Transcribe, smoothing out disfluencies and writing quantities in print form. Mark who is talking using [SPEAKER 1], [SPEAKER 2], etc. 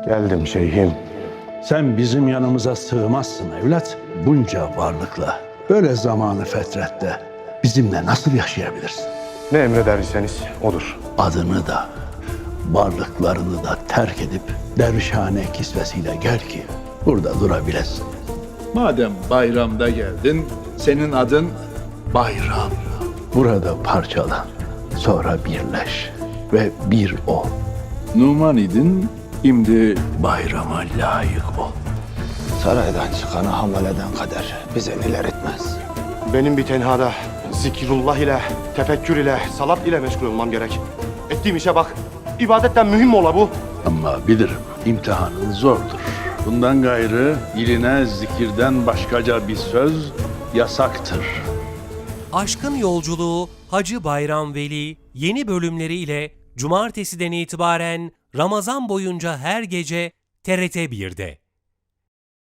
[SPEAKER 1] Geldim şeyhim.
[SPEAKER 2] Sen bizim yanımıza sığmazsın evlat. Bunca varlıkla, böyle zamanı fetrette bizimle nasıl yaşayabilirsin?
[SPEAKER 1] Ne emrederseniz odur.
[SPEAKER 2] Adını da, varlıklarını da terk edip dervişhane kisvesiyle gel ki burada durabilesin.
[SPEAKER 3] Madem bayramda geldin, senin adın Bayram.
[SPEAKER 2] Burada parçalan, sonra birleş ve bir ol.
[SPEAKER 3] Numan idin, şimdi
[SPEAKER 2] Bayrama layık ol.
[SPEAKER 4] Saraydan çıkanı hamaleden kader bize neler etmez.
[SPEAKER 1] Benim bir tenhada zikrullah ile, tefekkür ile, salat ile meşgul olmam gerek. Ettiğim işe bak. İbadetten mühim mi ola bu?
[SPEAKER 2] Ama bilirim imtihanın zordur. Bundan gayrı diline zikirden başkaca bir söz yasaktır.
[SPEAKER 5] Aşkın Yolculuğu Hacı Bayram Veli yeni bölümleriyle Cumartesiden itibaren Ramazan boyunca her gece TRT 1'de.